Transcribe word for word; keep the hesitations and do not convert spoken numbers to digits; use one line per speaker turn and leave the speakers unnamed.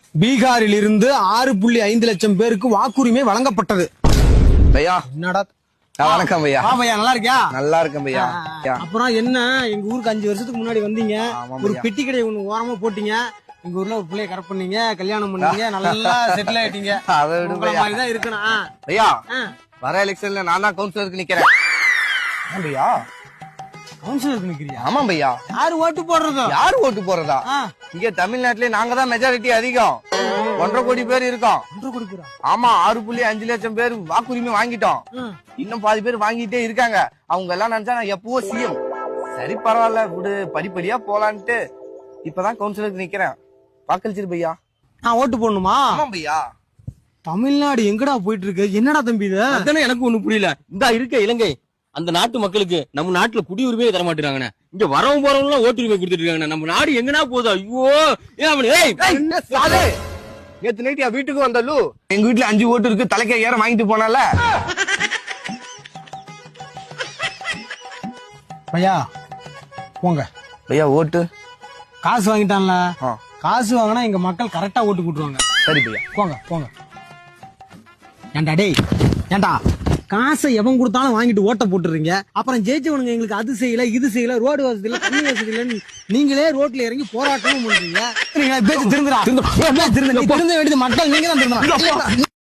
பீகாரில் இருந்து ஆறு புள்ளி ஐந்து லட்சம் பேருக்கு வாக்குரிமை வழங்கப்பட்டது.
பையா
என்னடா
வணக்கம் பையா.
ஆ பையா, நல்லா இருக்கியா?
நல்லா இருக்கேன் பையா.
அப்புறம் என்ன, எங்க ஊருக்கு அஞ்சு வருஷத்துக்கு முன்னாடி வந்தீங்க, ஒரு பெட்டி கடை ஒண்ணு ஓரமா போட்டீங்க, எங்க ஊர்ல ஒரு பிள்ளைய கரெக்ட் பண்ணீங்க, கல்யாணம் பண்ணீங்க, நல்லா செட்டில் ஆயிட்டீங்க.
அதை விட
மாதிரிதான் இருக்கணும்
பையா. வர எலெக்ஷன்ல நான் தான் கவுன்சிலருக்கு நிக்கிறேன் பையா.
கவுன்சிலருக்கு நிக்கிறியா?
ஆமா பையா.
யாரு ஓட்டு போடுறதோ?
யாரு ஓட்டு போறதா? இங்க தமிழ்நாட்டுல நாங்க தான் மெஜாரிட்டி அதிகம். ஒன்றரை கோடி பேர் இருக்கோம்.
ஒன்றரை கோடி பேரா?
ஆமா, ஆறு புள்ளி அஞ்சு லட்சம் பேர் வாக்குரிமை வாங்கிட்டோம். இன்னும் பாதி பேர் வாங்கிட்டே இருக்காங்க. அவங்க எல்லாம் நினைச்சா நான் எப்பவோ சிஎம். சரி பரவாயில்ல விடு, படிப்படியா போலான்ட்டு இப்பதான் கவுன்சிலருக்கு நிக்கிறேன். வாக்களிச்சிரு பையா.
நான் ஓட்டு போடணுமா?
ஆமா பையா.
தமிழ்நாடு எங்கடா போயிட்டு இருக்கு? என்னடா தம்பி இது?
அதானே எனக்கு ஒண்ணு புரியல. இந்த இருக்க இலங்கை அந்த நாட்டு மக்களுக்கு நம்ம நாட்டுல குடியுரிமையே தர மாட்டேங்கிறாங்கண்ணே. இங்க வரவும் போறவங்க எல்லாம் ஓட்டுரிமை கொடுத்துட்டு இருக்காங்க. நம்ம நாடு எங்கனா போதும். ஐயோ ஏன் அப்படி?
நேத்து நைட்டு வீட்டுக்கு வந்தாலு எங்க வீட்டுல அஞ்சு ஓட்டு இருக்கு, தலைக்க ஏற வாங்கிட்டு போனால.
பையா போங்க
பையா. ஓட்டு
காசு வாங்கிட்டான்ல, காசு வாங்கினா எங்க மக்கள் கரெக்டா ஓட்டு போட்டுருவாங்க.
சரி பையா,
போங்க போங்க. ஏண்டா டேய், ஏண்டா காசை எவன் கொடுத்தாலும் வாங்கிட்டு ஓட்ட போட்டுறீங்க, அப்புறம் ஜெயிச்சவனுங்க எங்களுக்கு அது செய்யல இது செய்யல, ரோடு வசதி இல்ல, தண்ணி வசதி இல்லன்னு நீங்களே ரோட்ல இறங்கி போராட்டமும் பண்றீங்க. திருந்த திருந்த வேண்டியது மக்கள், நீங்க தான் திருந்தணும்.